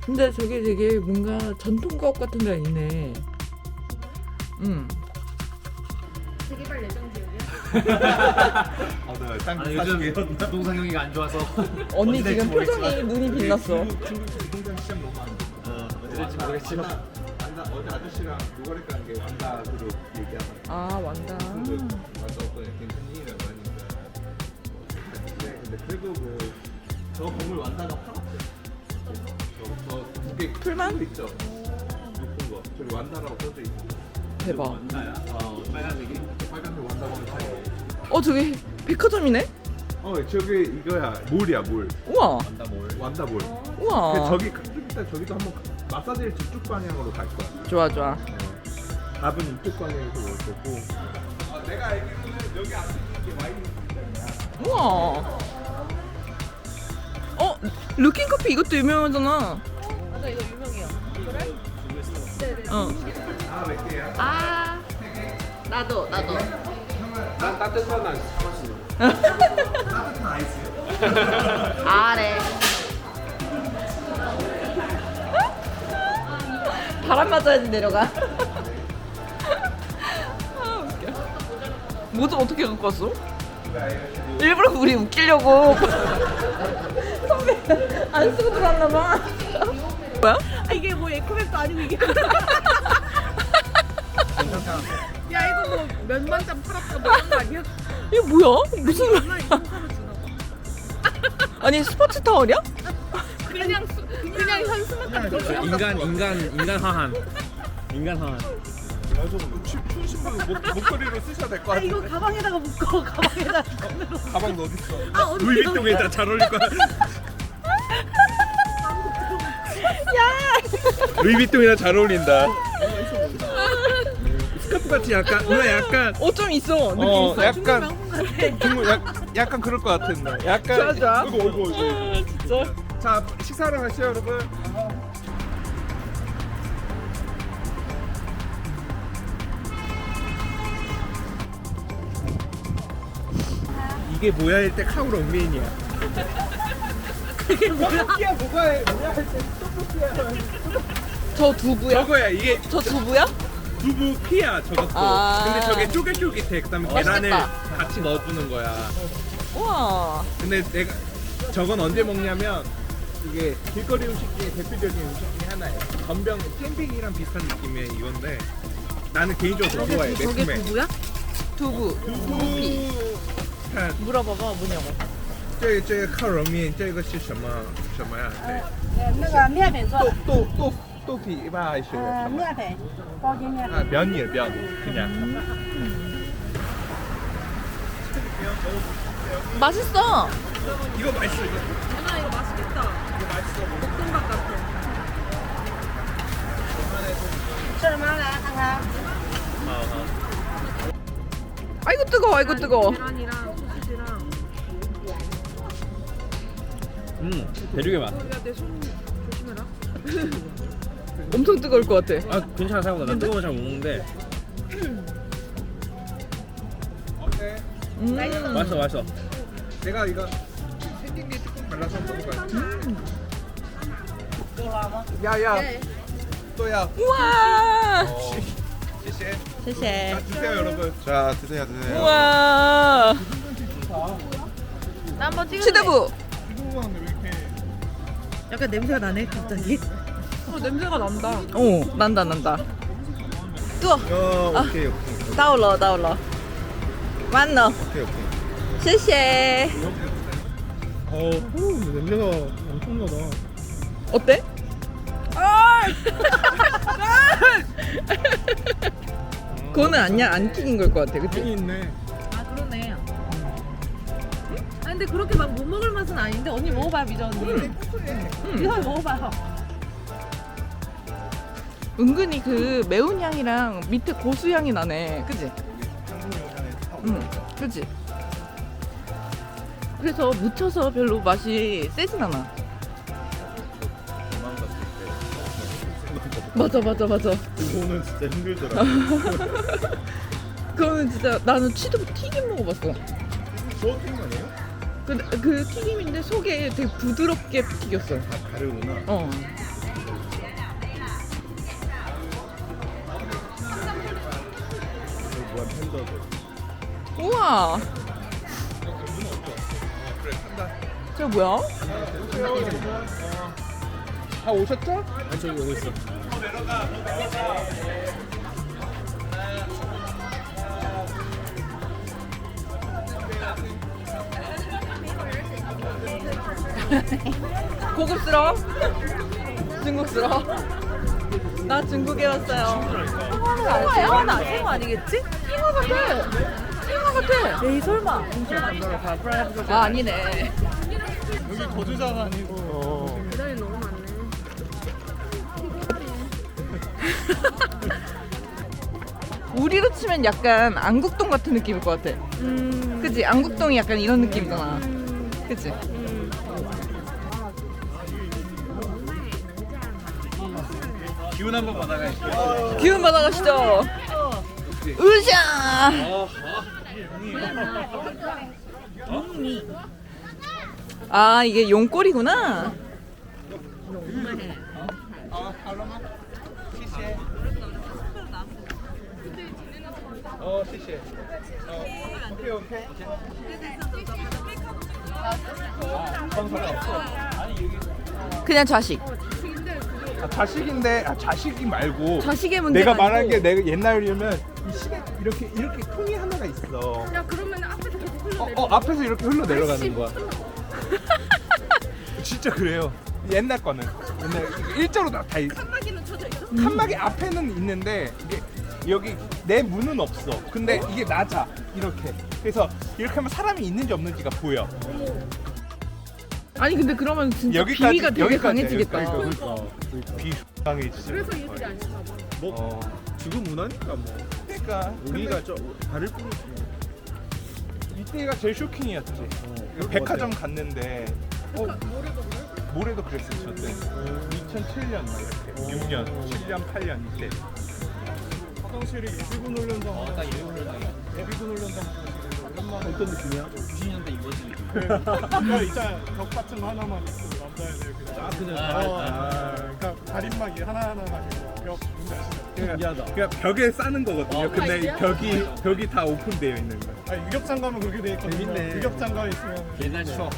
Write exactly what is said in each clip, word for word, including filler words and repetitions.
근데 저게 되게 뭔가 전통가옥 같은 데가 있네. 응. 재개발 예정 지역이야? 아, 네. 땅 아, 요즘 부동산 경기가 안 좋아서 언니 어디 지금 될지 표정이 모르겠지만. 눈이 빛났어. 중국 중국 부동산 시장 너무 안 돼. 어, 어디 될지 모르겠지만 완다, 완다 어제 아저씨랑 노가리 깐게 완다 그룹 얘기하던. 아 완다. 그 완다 어떤 괜찮니라고 하니까. 네, 근데 그래도 뭐저 건물 완다가 팔았대. 저저두개 풀만? 있죠. 높은 거 저기 완다라고 써져 있고. 대박. 완다야? 어, 빨간색이? 빨간색 완다 건물 사이. 어 저기 백화점이네? 어 저기 이거야 몰이야 몰. 우와. 완다몰. 완다 몰. 우와. 그 저기 좀 이따 저기도 한번 가- 마사지를 저쪽 방향으로 갈 거야. 좋아 좋아. 밥은 이쪽 방향에서 먹을 거고. 아, 내가 알기로는 여기 앞에 있는 게 와인. 우와. 어 루킹 커피 이것도 유명하잖아. 맞아 이거 유명해요. 그래? 네네. 어. 아몇 개야? 아 나도 나도. 난 따뜻한 아이스 마시는. 따뜻한 아이스요? 아래. 바람 맞아야지 내려가. 아 웃겨. 뭐좀 어떻게 갖고 왔어? 일부러 우리 웃기려고. 선배 안 쓰고 들어왔나 봐. 뭐야? 아 이게 뭐 에코백도 아니고 이게. 야 이거 뭐 몇만 장 팔았다 뭐 이런 거 아니야? 이거 뭐야? 무슨 얼마 이거 하나 주나 봐. 아니 스포츠 타월이야? 그냥 수, 그냥 현수막 같은 거. 인간 인간 인간 하한. 인간 하한. 맞아. 춘 신부 목 목걸이로 쓰셔야 될 것 아 같아. 이거 가방에다가 묶어 가방에다 손으로. 가방 너 어디 있어? 아 어디 루이비통에다 잘 어울릴 거야. 야. 루이비통이랑 잘 어울린다. 스카프 같이 약간 누나 약간 어 좀 있어 느낌 어, 있어. 약간 명품 같아. 중국 약 약간 그럴 것 같은데. 약간 좋아, 좋아. 이거 이거 이거. 진짜. 자 식사하러 가시죠 여러분. 이게 뭐야 할 때 카우로 옥메인이야. 그게 뭐야? 떡볶이야 뭐가 해 뭐야 할 때 떡볶이야. 저 두부야? 저거야 이게 저 두부야? 두부 피야 저것도. 아. 근데 저게 쫄깃쫄깃해. 그다음에 계란을 맛있겠다. 같이 넣어주는 거야. 우와. 근데 내가 저건 언제 먹냐면 이게 길거리 음식 중에 대표적인 음식 중에 하나예요. 전병 캠핑이랑 비슷한 느낌의 이건데 나는 개인적으로 더 좋아해. 저게 매콤해. 두부야? 두부. 두부. 看 물어봐봐 뭐냐고. 这个这个烤肉面，这个是什么什么呀？对， 呃，那个面粉做豆的， 豆豆豆皮吧还是呃， 什么？ 面粉，高筋面 아 粉。 면이에요 면 그냥. 맛있어. 이거 맛있어 이거. 누나 이거 맛있겠다. 이거 맛있어. 볶음밥 같아. 吃什么？来看看。 아이고 뜨거워 아이고 뜨거워. 계란이랑 소시지랑. 음, 대륙의 맛. 야내 손 조심해라. 엄청 뜨거울 것 같아. 아, 괜찮아 생각보다. 난 뜨거운 거 잘 못 먹는데 어때? 음. 맛있어 맛있어. 내가 이거 생긴 게 조금 달라서 한번 먹어봐요. 给我吗？ 야야 네. 또야. 우와. 어. 谢谢. 쉐쉐. 자 드세요 여러분. 자 드세요 드세요. 우와. 나 한번 찍을래. 치대부. 이거 먹는데 왜 이렇게? 약간 냄새가 나네 갑자기. 어 냄새가 난다. 어 난다 난다. 뜨거. 어 아. 오케이 오케이 到了到了. 왔노. 오케이 오케이. 쉐쉐. 어 냄새가 엄청나다. 어때? 그거는 아니야 안 튀긴 걸 것 같아 그치? 있네. 아 그러네. 아 근데 그렇게 막 못 먹을 맛은 아닌데 언니 먹어봐 미저 언니. 미저 먹어봐. 은근히 그 매운 향이랑 밑에 고수 향이 나네 그치? 응 그치? 그래서 묻혀서 별로 맛이 세진 않아. 맞아 맞아 맞아. 그거는 진짜 힘들더라. 그거는 진짜 나는 치즈 튀김 먹어봤어. 저어팅 아니에요? 그, 그 튀김인데 속에 되게 부드럽게 튀겼어. 아 다르구나. 어. 우와. 저 뭐야? 다 오셨죠? 아니 저기 오고 있어. 고급스러워? 중국스러워? 나 중국에 왔어요. 생화야? 생화 아니겠지? 잉어 같아. 잉어 같아. 에이 설마. 아 아니네. 여기 거주자가 아니고. 계단이 너무 많네. 우리로 치면 약간 안국동 같은 느낌일 것 같아. 음. 그치? 안국동이 약간 이런 느낌이잖아. 그치? 기운 한번 받아가실게요. 기운 받아가시죠. 으쌰! 아 이게 용꼬리구나. 어, 시시. 어, 오케이, 오케이. 그냥 좌식. 아, 자식인데, 아, 자식이 말고. 좌식의 문제가 내가 말한 아니고. 게 내가 옛날이면 이 시계 이렇게 이렇게 통이 하나가 있어. 야 그러면 앞에서 계속 흘러. 어, 어 앞에서 이렇게 흘러 내려가는 거야. 진짜 그래요. 옛날 거는 옛날 일자로 다, 다 있. 칸막이는 쳐져 있어? 칸막이 앞에는 있는데 이게 여기 내 문은 없어. 근데 이게 낮아 이렇게. 그래서 이렇게 하면 사람이 있는지 없는지가 보여. 아니 근데 그러면 진짜 여기까지, 비위가 되게 여기까지, 강해지겠다. 여기까지. 비강해지죠. 그래서 얘들이 안 쳐봐. 뭐 어. 지금 문화니까 뭐. 그러니까 우리가 저 다를 뿐이지. 이때가 제일 쇼킹이었지. 어, 백화점 갔는데 어, 모레도 그랬어요 저때. 이천칠 년 막 이렇게 육 년, 칠 년, 팔 년 이때. 화장실이 예비군 훈련장. 어, 딱 예비군 훈련장. 예비군 훈련장. 오랜만에. 어떤 느낌이야? 구십 년대 이거지. 그 있잖아 벽 같은 거 하나만 있고 남자애들 그냥 아 그냥 어, 아, 그러니까 가림막이 하나하나만 있고 벽 뭔지 아시죠? 신기하다. 그냥 벽에 싸는 거거든요. 어, 근데 이 벽이 벽이 다 오픈되어 있는 거야. 아니 유격장 가면 그렇게 돼 있거든요. 재밌네. 유격장 가 있으면 옛날 추억.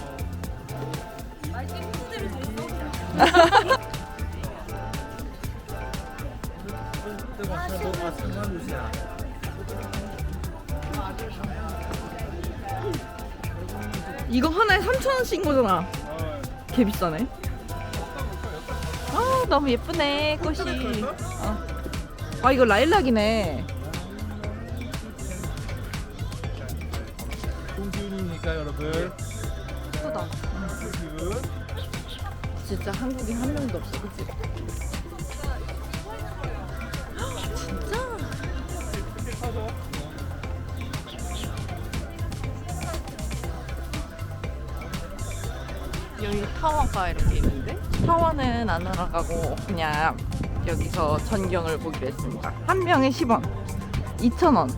이거 하나에 삼천 원씩인 거잖아. 개 비싸네. 아 너무 예쁘네 꽃이. 어. 아 이거 라일락이네. 동기훈이니까 여러분. 예쁘다. 진짜 한국인 한 명도 없어, 그치? 진짜? 여기 타워가 이렇게 있는데 타워는 안 올라가고 그냥 여기서 전경을 보기로 했습니다. 한 명에 십 원, 이천 원.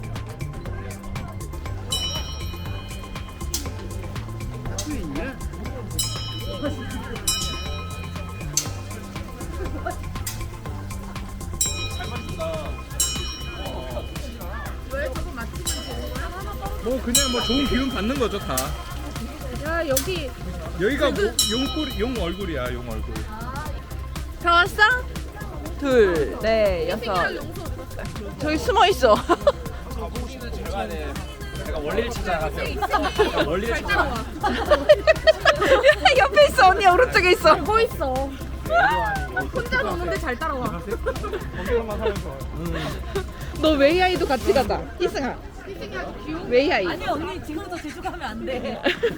뭐 그냥 뭐 좋은 기운 받는 거죠 다. 야 여기 여기가 뭐, 용꼬리 용 얼굴이야 용 얼굴. 다 왔어? 둘, 넷, 여섯. 저기 숨어 있어. 제가 원리를 찾아가세요. 원리를 찾아. 옆에 있어, 언니 오른쪽에 있어. 뭐 있어? 혼자 노는데 잘 따라와. 거기서만 하면 좋아요. 너 웨이아이도 같이 가자. 희승아. 웨이아이. 아니 언니 지금부터 제주 가면 안 돼.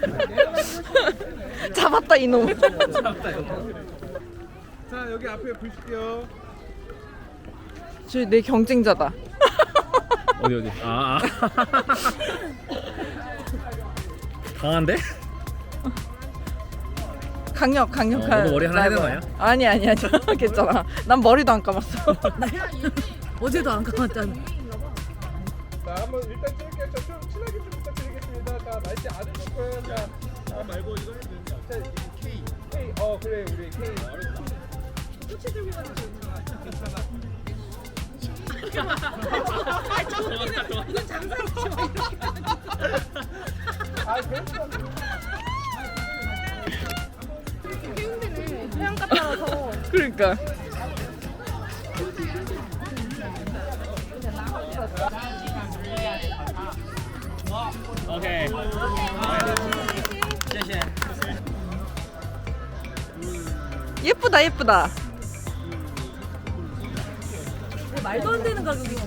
잡았다 이놈. 자 여기 앞에 보실게요. 저 내 경쟁자다. 어디 어디? 아. 아. 강한데? 강력 강력한. 어, 너도 머리 하나 해야 되는 거 라이벌. 아니 아니 아니 괜찮아. 난 머리도 안 감았어. 어제도 안 감았잖아. 자 한번 일단 찍을게요. 좀 친하게 좀 부탁드리겠습니다. 자 날씨 안 해줄 거예요. 자, 자 말고 이거 해도 되는데. 자 K K 어 그래 우리 K. 꼬치 들고 가는 거 괜찮아. 이건 장사했지 마 이렇게. 해안가 따라서 그러니까. 오케이. 예쁘다 예쁘다. 말도 안 되는 가격이지.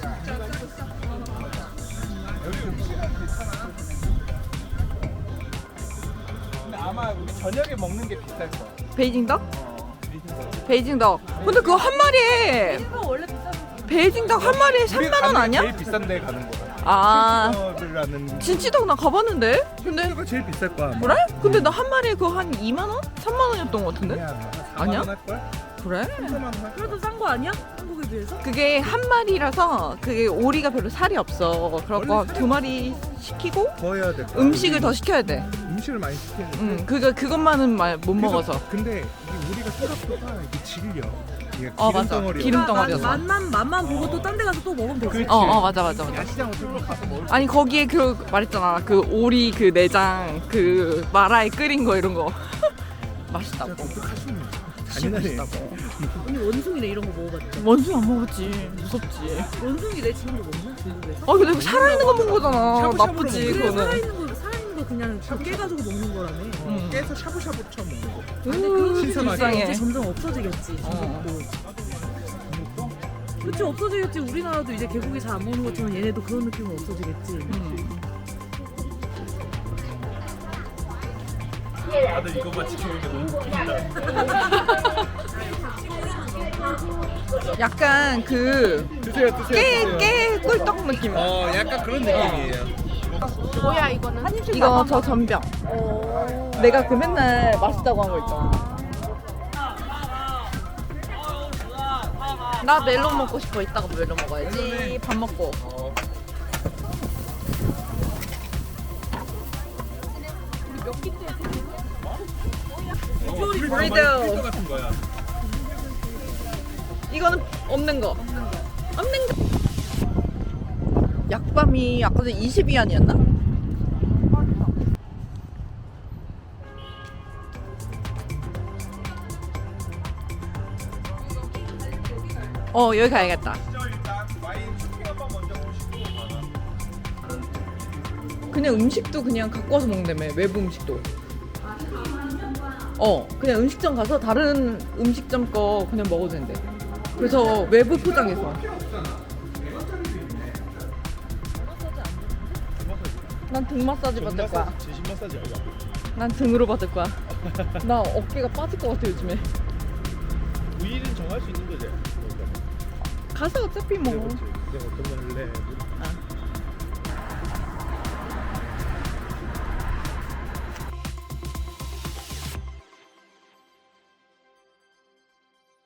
근데 아마 우리 저녁에 먹는 게 비쌀 거야. 베이징 덕? 어, 베이징 베이징 덕. 근데 그거 한 마리에 이거 원래 비싼 베이징 덕 한 마리에 우리가 삼만 원 가는 게 아니야? 제일 비싼 데 가는 거야. 아 라는 진치덕 나 가봤는데. 근데 이거 제일 비쌀 거야. 아마. 그래? 근데 나 한 마리에 그거 한 이만 원? 삼만 원이었던 것 같은데? 아니야. 아니야? 할 걸? 그래? 삼만 원 할 걸? 그래도 싼 거 아니야? 한국에 비해서? 그게 한 마리라서 그게 오리가 별로 살이 없어. 그래갖고 원래 살이 두 마리 시키고 더 해야 돼. 음식을 더 시켜야 돼. 음식을 많이 시키는데. 응, 그거 그것만은 말 못 그래서- 먹어서. 근데 이게 우리가 생각보다 이게 질려. 이게 어, 기름 맞아. 덩어리야. 기름 덩어리여서. 맛, 맛만 맛만 보고 또 딴 데 가서 또 먹으면 되지. 그렇지. 어, 어, 맞아, 맞아, 맞아. 야시장 어쩌고 가서 먹을 아니 거기에 그 말했잖아. 그 오리 그 내장 그 마라에 끓인 거 이런 거 맛있다고. 독특하시네. 진짜 잔인하네. 맛있다고. 언니 원숭이네 이런 거 먹어봤죠? 원숭이 안 먹었지. 무섭지. 원숭이 내 지금도 먹나? 중국에서? 아 근데 이거 살아있는 거 먹은 거잖아. 샤브샤브로 나쁘지 먹는 그래 그거는. 살아있는 거 살아있는 거 그냥 다 깨가지고 먹는 거라며. 어, 깨서 샤브샤브처럼 먹는 거. 근데 그런 게 신선하게. 불쌍해. 이제 점점 없어지겠지. 어. 중국도. 그치 없어지겠지. 우리나라도 이제 개고기 잘 안 먹는 것처럼 얘네도 그런 느낌은 없어지겠지. 음. 다들 이것만 지켜보는 게 너무 웃긴다. 약간 그 드세요, 드세요. 깨, 깨 꿀떡 느낌. 어, 약간 그런 느낌이에요. 뭐야 이거는? 한입씩 이거 저 전병. 내가 그 맨날 맛있다고 한 거 있잖아. 나 멜론 먹고 싶어. 이따가 멜론 먹어야지. 밥 먹고. 어. 브리드. 브리드 같은 거야. 이거는 없는 거. 없는 거. 약밤이 아까 전에 이십 위안이었나? 어 여기 가야겠다. 일단 와인 쇼핑 한번 먼저 보시고 그냥 음식도 그냥 갖고 와서 먹는다며. 외부 음식도. 어 그냥 음식점 가서 다른 음식점 거 그냥 먹어도 된대. 그래서 외부 포장해서. 난 등 마사지 받을 거야. 진심 마사지 아니야? 난 등으로 받을 거야. 나 어깨가 빠질 것 같아 요즘에. 부위는 정할 수 있는 거지. 가서 어차피 뭐. 내가 어떤 거 할래?